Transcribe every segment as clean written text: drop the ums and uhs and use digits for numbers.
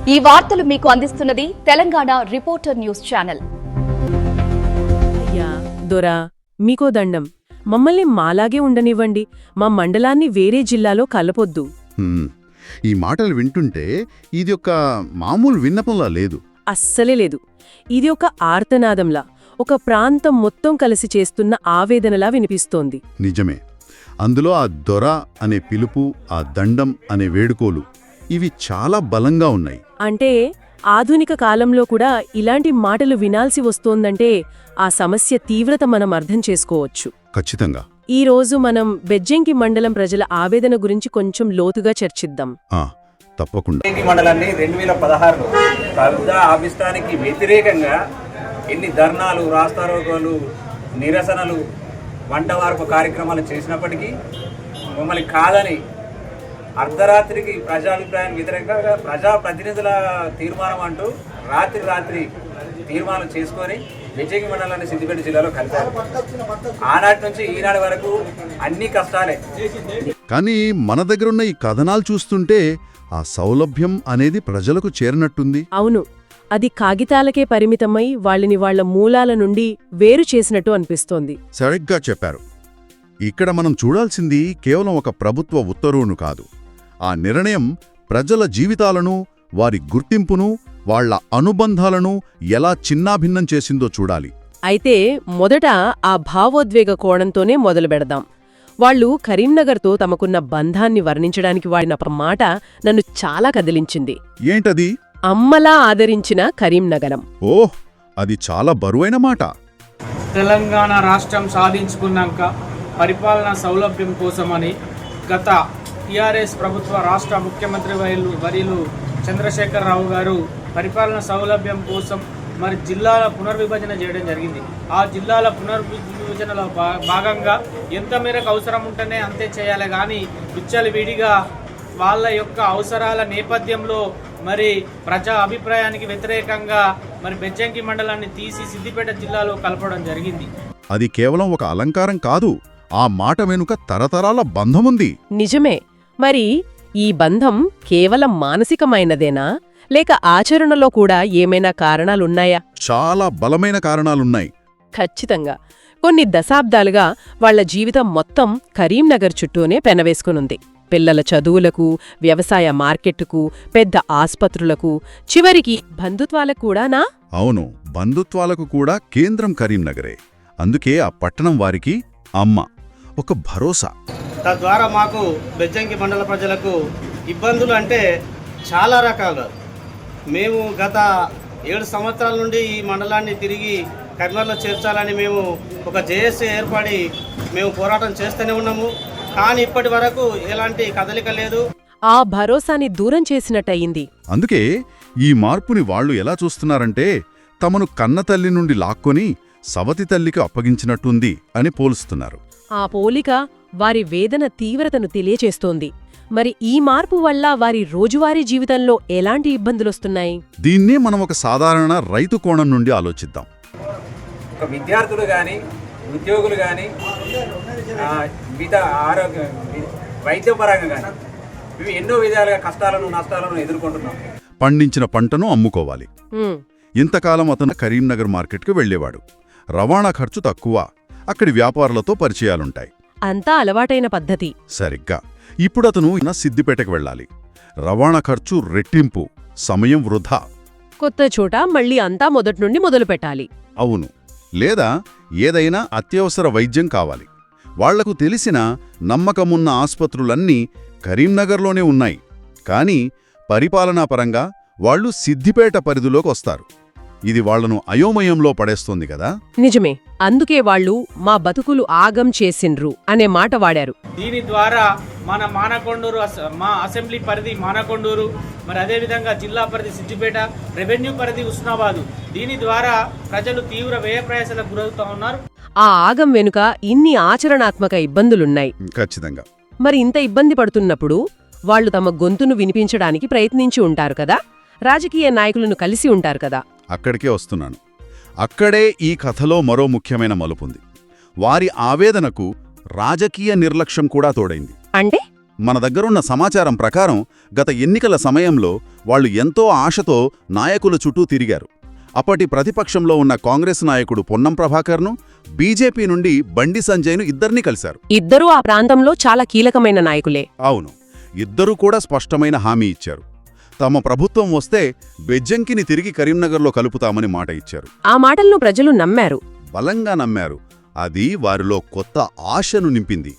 ఈ వార్తలు మీకు అందిస్తున్నది తెలంగాణ రిపోర్టర్ న్యూస్ ఛానల్. అయ్యా దొరా, మీకో దండం. మమ్మల్ని మాలాగే ఉండనివ్వండి. మా మండలాన్ని వేరే జిల్లాలో కలపొద్దు. ఈ మాటలు వింటుంటే ఇది ఒక మామూలు విన్నపంలా లేదు. అస్సలే లేదు. ఇది ఒక ఆర్తనాదంలా, ఒక ప్రాంతం మొత్తం కలిసి చేస్తున్న ఆవేదనలా వినిపిస్తోంది. నిజమే. అందులో ఆ దొర అనే పిలుపు, ఆ దండం అనే వేడుకోలు, ఇవి చాలా బలంగా ఉన్నాయి. అంటే ఆధునిక కాలంలో కూడా ఇలాంటి మాటలు వినాల్సి వస్తోందంటే ఆ సమస్య తీవ్రత మనం అర్థం చేసుకోవచ్చు. ఖచ్చితంగా. ఈ రోజు మనం బెజ్జంకి మండలం ప్రజల ఆవేదన గురించి కొంచెం లోతుగా చర్చిద్దాం. తప్పకుండా. బెజ్జంకి మండలాన్ని 2016లో కబ్జా ఆపిస్తానికి వ్యతిరేకంగా ఎన్ని ధర్నాలు, రాస్తారోకోలు, నిరసనలు, వంటవార్పు కార్యక్రమాలు చేసినప్పటికీ మమ్మల్ని కాదని అర్ధరాత్రికి ప్రజాభిప్రాయానికి వ్యతిరేకంగా ప్రజాప్రతినిధుల తీర్మానం అంటూ రాత్రి తీర్మానం చేసుకొని బెజ్జంకి మండలాన్ని సిద్దిపేట జిల్లాలో కలిపారు. ఆనాటి నుంచి ఈనాటి వరకు అన్ని కష్టాలే. కానీ మన దగ్గరున్న ఈ కథనాలు చూస్తుంటే ఆ సౌలభ్యం అనేది ప్రజలకు చేరినట్టుంది. అవును, అది కాగితాలకే పరిమితమై వాళ్ళని వాళ్ల మూలాల నుండి వేరు చేసినట్టు అనిపిస్తోంది. సరిగ్గా చెప్పారు. ఇక్కడ మనం చూడాల్సింది కేవలం ఒక ప్రభుత్వ ఉత్తర్వును కాదు. ఆ నిర్ణయం ప్రజల జీవితాలను, వారి గుర్తింపును, వాళ్ల అనుబంధాలను ఎలా చిన్నాభిన్నం చేసిందో చూడాలి. అయితే మొదట ఆ భావోద్వేగ కోణంతోనే మొదలుపెడదాం. వాళ్లు కరీంనగర్తో తమకున్న బంధాన్ని వర్ణించడానికి వాడిన మాట నన్ను చాలా కదిలించింది. ఏంటది? అమ్మలా ఆదరించిన కరీంనగరం. ఓహ్, అది చాలా బరువైన మాట. తెలంగాణ రాష్ట్రం సాధించుకున్నాక పరిపాలనా సౌలభ్యం కోసమని గత టీఆర్ఎస్ ప్రభుత్వ రాష్ట్ర ముఖ్యమంత్రి వర్యులు చంద్రశేఖరరావు గారు పరిపాలనా సౌలభ్యం కోసం మరి జిల్లాల పునర్విభజన చేయడం జరిగింది. ఆ జిల్లాల పునర్విభజనలో భాగంగా ఎంత మేరకు అవసరం ఉంటేనే అంతే చేయాలి, కానీ విచ్చలవిడిగా వాళ్ళ యొక్క అవసరాల నేపథ్యంలో మరి ప్రజా అభిప్రాయానికి వ్యతిరేకంగా మరి బెజ్జంకి మండలాన్ని తీసి సిద్దిపేట జిల్లాలో కలపడం జరిగింది. అది కేవలం ఒక అలంకారం కాదు. ఆ మాట వెనుక తరతరాల బంధముంది. నిజమే. మరి ఈ బంధం కేవలం మానసికమైనదేనా, లేక ఆచరణలో కూడా ఏమైనా కారణాలున్నాయా? చాలా బలమైన కారణాలున్నాయి. ఖచ్చితంగా. కొన్ని దశాబ్దాలుగా వాళ్ల జీవితం మొత్తం కరీంనగర్ చుట్టూనే పెనవేసుకునుంది. పిల్లల చదువులకు, వ్యవసాయ మార్కెట్టుకు, పెద్ద ఆస్పత్రులకు, చివరికి బంధుత్వాలకు కూడానా? అవును, బంధుత్వాలకు కూడా కేంద్రం కరీంనగరే. అందుకే ఆ పట్టణం వారికి అమ్మ, ఒక భరోసా. తద్వారా మాకు బెజ్జంకి మండల ప్రజలకు ఇబ్బందులు అంటే చాలా రకాలు. మేము గత 7 సంవత్సరాల నుండి ఈ మండలాన్ని తిరిగి కరీంనగర్లో చేర్చాలని మేము ఒక జేఏసీ ఏర్పడి మేము పోరాటం చేస్తూనే ఉన్నాము. కానీ ఇప్పటి వరకు ఎలాంటి కదలిక లేదు. ఆ భరోసాని దూరం చేసినట్టయింది. అందుకే ఈ మార్పుని వాళ్లు ఎలా చూస్తున్నారంటే తమను కన్నతల్లి నుండి లాక్కొని సవతి తల్లికి అప్పగించినట్టుంది అని పోలుస్తున్నారు. ఆ పోలిక వారి వేదన తీవ్రతను తెలియచేస్తోంది. మరి ఈ మార్పు వల్ల వారి రోజువారీ జీవితంలో ఎలాంటి ఇబ్బందులొస్తున్నాయి? దీన్నే మనం ఒక సాధారణ రైతు కోణం నుండి ఆలోచిద్దాం. ఒక విద్యార్థులు కానీ, ఉద్యోగులు కానీ, ఆరోగ్య వైద్యపరంగా కానీ ఇవి ఎన్నో విధాలుగా కష్టాలను, నష్టాలను ఎదుర్కొంటున్నాం. పండించిన పంటను అమ్ముకోవాలి. ఇంతకాలం అతను కరీంనగర్ మార్కెట్కు వెళ్లేవాడు. రవాణా ఖర్చు తక్కువ, అక్కడి వ్యాపారులతో పరిచయాలుంటాయి. అంతా అలవాటైన పద్ధతి. సరిగ్గా. ఇప్పుడతను సిద్దిపేటకు వెళ్ళాలి. రవాణా ఖర్చు రెట్టింపు, సమయం వృధా. కొత్త చోట మళ్ళీ అంతా మొదట్నుండి మొదలుపెట్టాలి. అవును. లేదా ఏదైనా అత్యవసర వైద్యం కావాలి. వాళ్లకు తెలిసిన, నమ్మకమున్న ఆస్పత్రులన్నీ కరీంనగర్లోనే ఉన్నాయి. కానీ పరిపాలనాపరంగా వాళ్లు సిద్దిపేట పరిధిలోకి వస్తారు. ఇది వాళ్లను అయోమయంలో పడేస్తోంది కదా. నిజమే. అందుకే వాళ్లు మా బతుకులు ఆగం చేసిండ్రు అనే మాట వాడారు. దీని ద్వారా మన మానకొండూరు, మా అసెంబ్లీ పరిధి మానకొండూరు, మరి అదేవిధంగా జిల్లా పరిధి సిద్దిపేట, రెవెన్యూ పరిధి ఉస్నాబాదు, దీని ద్వారా ప్రజలు తీవ్ర వ్యయ ప్రయాసాలకు గురవుతా ఉన్నారు. ఆ ఆగం వెనుక ఇన్ని ఆచరణాత్మక ఇబ్బందులున్నాయి. ఖచ్చితంగా. మరి ఇంత ఇబ్బంది పడుతున్నప్పుడు వాళ్లు తమ గొంతును వినిపించడానికి ప్రయత్నించి ఉంటారు కదా, రాజకీయ నాయకులను కలిసి ఉంటారు కదా. అక్కడికే వస్తున్నాను. అక్కడే ఈ కథలో మరో ముఖ్యమైన మలుపుంది. వారి ఆవేదనకు రాజకీయ నిర్లక్ష్యం కూడా తోడైంది. అంటే మన దగ్గరున్న సమాచారం ప్రకారం గత ఎన్నికల సమయంలో వాళ్ళు ఎంతో ఆశతో నాయకుల చుట్టూ తిరిగారు. అప్పటి ప్రతిపక్షంలో ఉన్న కాంగ్రెస్ నాయకుడు పొన్నం ప్రభాకర్ను, బీజేపీ నుండి బండి సంజయ్ను ఇద్దరినీ కలిశారు. ఇద్దరూ ఆ ప్రాంతంలో చాలా కీలకమైన నాయకులే. అవును, ఇద్దరూ కూడా స్పష్టమైన హామీ ఇచ్చారు. తమ ప్రభుత్వం వస్తే బెజ్జంకిని తిరిగి కరీంనగర్లో కలుపుతామని మాట ఇచ్చారు. ఆ మాటలను ప్రజలు నమ్మారు, బలంగా నమ్మారు. అది వారిలో కొత్త ఆశను నింపింది.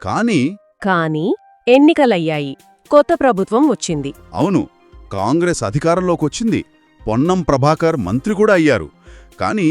కానీ ఎన్నికలయ్యాయి, కొత్త ప్రభుత్వం వచ్చింది. అవును, కాంగ్రెస్ అధికారంలోకొచ్చింది. పొన్నం ప్రభాకర్ మంత్రి కూడా అయ్యారు. కానీ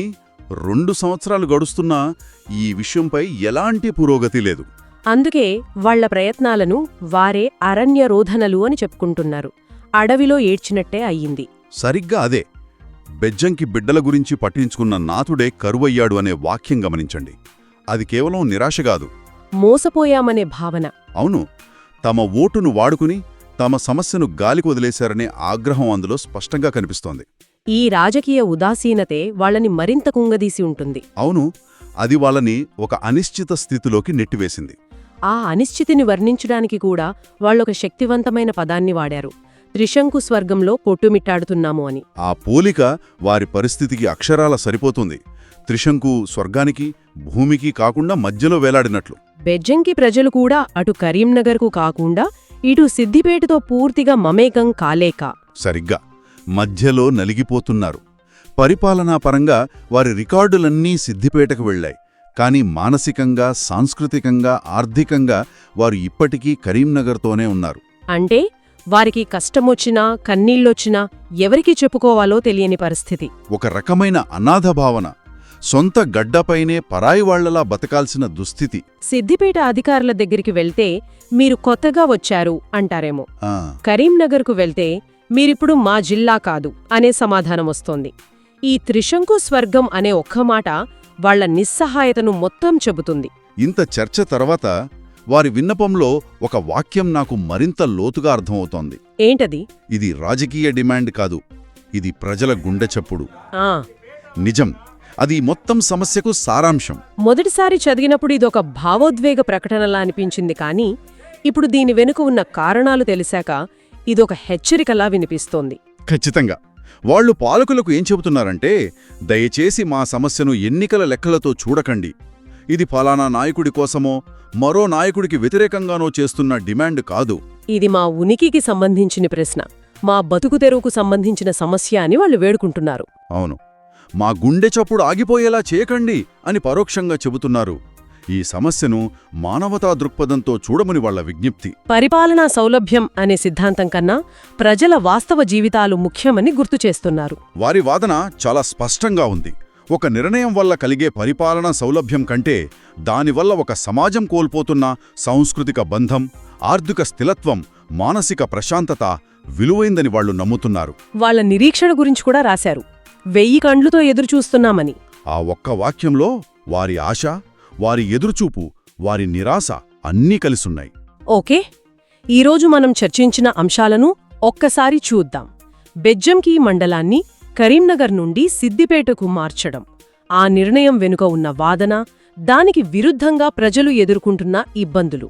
2 సంవత్సరాలు గడుస్తున్నా ఈ విషయంపై ఎలాంటి పురోగతి లేదు. అందుకే వాళ్ల ప్రయత్నాలను వారే అరణ్యరోధనలు అని చెప్పుకుంటున్నారు. అడవిలో ఏడ్చినట్టే అయ్యింది. సరిగ్గా అదే. బెజ్జంకి బిడ్డల గురించి పట్టించుకున్న నాథుడే కరువయ్యాడు అనే వాక్యం గమనించండి. అది కేవలం నిరాశగాదు, మోసపోయామనే భావన. అవును, తమ ఓటును వాడుకుని తమ సమస్యను గాలికి వదిలేశారనే ఆగ్రహం అందులో స్పష్టంగా కనిపిస్తోంది. ఈ రాజకీయ ఉదాసీనతే వాళ్ళని మరింత కుంగదీసి ఉంటుంది. అవును, అది వాళ్ళని ఒక అనిశ్చిత స్థితిలోకి నెట్టివేసింది. ఆ అనిశ్చితిని వర్ణించడానికి కూడా వాళ్ళొక శక్తివంతమైన పదాన్ని వాడారు, త్రిశంకు స్వర్గంలో కొట్టుమిట్టాడుతున్నాము అని. ఆ పోలిక వారి పరిస్థితికి అక్షరాల సరిపోతుంది. త్రిశంకు స్వర్గానికి భూమికి కాకుండా మధ్యలో వేలాడినట్లు. బెజ్జంకి ప్రజలు కూడా అటు కరీంనగర్కు కాకుండా ఇటు సిద్దిపేటతో పూర్తిగా మమేకం కాలేక సరిగ్గా మధ్యలో నలిగిపోతున్నారు. పరిపాలనాపరంగా వారి రికార్డులన్నీ సిద్దిపేటకు వెళ్లాయి. కానీ మానసికంగా, సాంస్కృతికంగా, ఆర్థికంగా వారు ఇప్పటికీ కరీంనగర్తోనే ఉన్నారు. అంటే వారికి కష్టమొచ్చినా కన్నీళ్లొచ్చినా ఎవరికి చెప్పుకోవాలో తెలియని పరిస్థితి. ఒక రకమైన అనాథ భావన, సొంత గడ్డపైనే పరాయివాళ్లలా బతకాల్సిన దుస్థితి. సిద్దిపేట అధికారుల దగ్గరికి వెళ్తే మీరు కొత్తగా వచ్చారు అంటారేమో. ఆ, కరీంనగర్కు వెళ్తే మీరిప్పుడు మా జిల్లా కాదు అనే సమాధానం వస్తోంది. ఈ త్రిశంకు స్వర్గం అనే ఒక్క మాట వాళ్ల నిస్సహాయతను మొత్తం చెబుతుంది. ఇంత చర్చ తర్వాత వారి విన్నపంలో ఒక వాక్యం నాకు మరింత లోతుగా అర్థమవుతోంది. ఏంటది? ఇది రాజకీయ డిమాండ్ కాదు, ఇది ప్రజల గుండె చప్పుడు. ఆ నిజం, అది మొత్తం సమస్యకు సారాంశం. మొదటిసారి చదివినప్పుడు ఇదొక భావోద్వేగ ప్రకటనలా అనిపించింది. కానీ ఇప్పుడు దీని వెనుక ఉన్న కారణాలు తెలిసాక ఇదొక హెచ్చరికలా వినిపిస్తోంది. ఖచ్చితంగా. వాళ్లు పాలకులకు ఏం చెబుతున్నారంటే, దయచేసి మా సమస్యను ఎన్నికల లెక్కలతో చూడకండి. ఇది ఫలానా నాయకుడి కోసమో మరో నాయకుడికి వ్యతిరేకంగానో చేస్తున్న డిమాండ్ కాదు. ఇది మా ఉనికికి సంబంధించిన ప్రశ్న, మా బతుకు తెరువుకు సంబంధించిన సమస్య అని వాళ్ళు వేడుకుంటున్నారు. అవును, మా గుండె చప్పుడు ఆగిపోయేలా చేయకండి అని పరోక్షంగా చెబుతున్నారు. ఈ సమస్యను మానవతా దృక్పథంతో చూడమని వాళ్ల విజ్ఞప్తి. పరిపాలనా సౌలభ్యం అనే సిద్ధాంతం కన్నా ప్రజల వాస్తవ జీవితాలు ముఖ్యమని గుర్తుచేస్తున్నారు. వారి వాదన చాలా స్పష్టంగా ఉంది. ఒక నిర్ణయం వల్ల కలిగే పరిపాలనా సౌలభ్యం కంటే దానివల్ల ఒక సమాజం కోల్పోతున్న సాంస్కృతిక బంధం, ఆర్థిక స్థిరత్వం, మానసిక ప్రశాంతత విలువైందని వాళ్లు నమ్ముతున్నారు. వాళ్ల నిరీక్షణ గురించి కూడా రాశారు, 1000 కండ్లుతో ఎదురుచూస్తున్నామని. ఆ ఒక్క వాక్యంలో వారి ఆశ, వారి ఎదురుచూపు, వారి నిరాశ అన్నీ కలిసున్నాయి. ఓకే, ఈరోజు మనం చర్చించిన అంశాలను ఒక్కసారి చూద్దాం. బెజ్జంకి మండలాన్ని కరీంనగర్ నుండి సిద్దిపేటకు మార్చడం, ఆ నిర్ణయం వెనుక ఉన్న వాదన, దానికి విరుద్ధంగా ప్రజలు ఎదుర్కొంటున్న ఇబ్బందులు.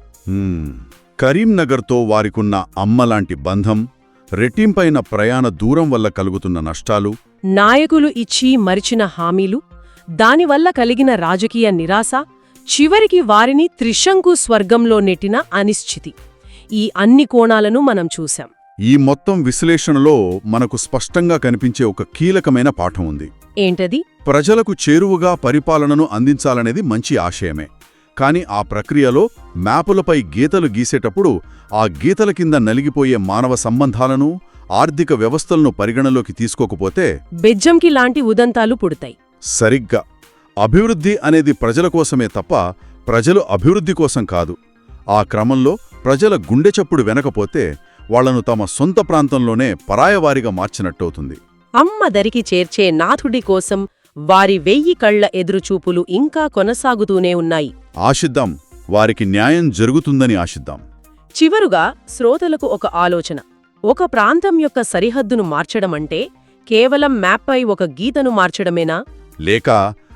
కరీంనగర్తో వారికున్న అమ్మలాంటి బంధం, రెట్టింపైన ప్రయాణ దూరం వల్ల కలుగుతున్న నష్టాలు, నాయకులు ఇచ్చి మరిచిన హామీలు, దానివల్ల కలిగిన రాజకీయ నిరాశ, చివరికి వారిని త్రిశంకు స్వర్గంలో నెట్టిన అనిశ్చితి, ఈ అన్ని కోణాలను మనం చూశాం. ఈ మొత్తం విశ్లేషణలో మనకు స్పష్టంగా కనిపించే ఒక కీలకమైన పాఠం ఉంది. ఏంటది? ప్రజలకు చేరువగా పరిపాలనను అందించాలనేది మంచి ఆశయమే. కాని ఆ ప్రక్రియలో మ్యాపులపై గీతలు గీసేటప్పుడు ఆ గీతల కింద నలిగిపోయే మానవ సంబంధాలను, ఆర్థిక వ్యవస్థలను పరిగణలోకి తీసుకోకపోతే బెజ్జంకి లాంటి ఉదంతాలు పుడతాయి. సరిగ్గా. అభివృద్ధి అనేది ప్రజల కోసమే తప్ప ప్రజలు అభివృద్ధి కోసం కాదు. ఆ క్రమంలో ప్రజల గుండె చప్పుడు వెనకపోతే వాళ్లను తమ సొంత ప్రాంతంలోనే పరాయవారిగా మార్చినట్టవుతుంది. అమ్మ దరికి చేర్చే నాథుడి కోసం వారి 1000 కళ్ల ఎదురుచూపులు ఇంకా కొనసాగుతూనే ఉన్నాయి. ఆశిద్దాం, వారికి న్యాయం జరుగుతుందని ఆశిద్దాం. చివరుగా శ్రోతలకు ఒక ఆలోచన. ఒక ప్రాంతం యొక్క సరిహద్దును మార్చడమంటే కేవలం మ్యాప్పై ఒక గీతను మార్చడమేనా? లేక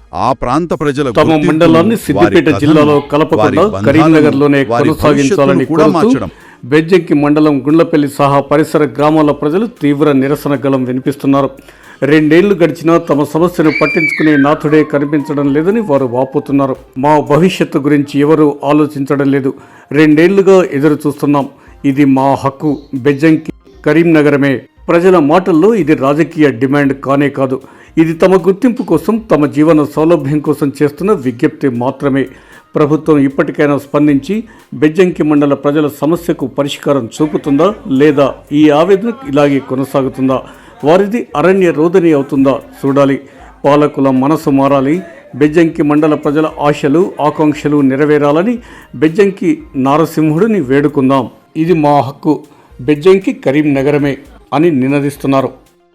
ఆ ప్రాంత ప్రజల తమ గుర్తింపును, మండలాన్ని సిద్దిపేట వారి జిల్లాలో కథను, కలపకుండా వారి బంధాలను, కరీంనగర్లోనే వారి కొనసాగించాలని భవిష్యత్తును కూడా కోరుతూ మార్చడం. బెజ్జంకి మండలం గుండ్లపల్లి సహా పరిసర గ్రామాల ప్రజలు తీవ్ర నిరసన గళం వినిపిస్తున్నారు. 2 ఏళ్లు గడిచినా తమ సమస్యను పట్టించుకునే నాథుడే కనిపించడం లేదని వారు వాపోతున్నారు. మా భవిష్యత్తు గురించి ఎవరూ ఆలోచించడం లేదు. 2 ఏళ్లుగా ఎదురు చూస్తున్నాం. ఇది మా హక్కు. బెజ్జంకి కరీంనగరమే. ప్రజల మాటల్లో ఇది రాజకీయ డిమాండ్ కానే కాదు. ఇది తమ గుర్తింపు కోసం, తమ జీవన సౌలభ్యం కోసం చేస్తున్న విజ్ఞప్తి మాత్రమే. ప్రభుత్వం ఇప్పటికైనా స్పందించి బెజ్జంకి మండల ప్రజల సమస్యకు పరిష్కారం చూపుతుందా, లేదా ఈ ఆవేదన ఇలాగే కొనసాగుతుందా? వారిది అరణ్య రోదని అవుతుందా చూడాలి. పాలకుల మనసు మారాలి. బెజ్జంకి మండల ప్రజల ఆశలు, ఆకాంక్షలు నెరవేరాలని బెజ్జంకి నారసింహుడిని వేడుకుందాం. ఇది మా హక్కు. బెజ్జంకి కరీంనగరమే అని నినదిస్తున్నారు.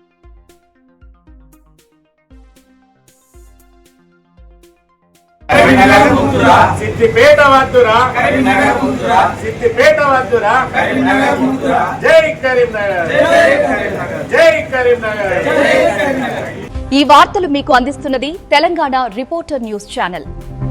సిద్దిపేట వద్దురా, సిద్దిపేట వద్దురా, జై కరీంనగర్, జై కరీంనగర్. ఈ వార్తలు మీకు అందిస్తున్నది తెలంగాణ రిపోర్టర్ న్యూస్ ఛానల్.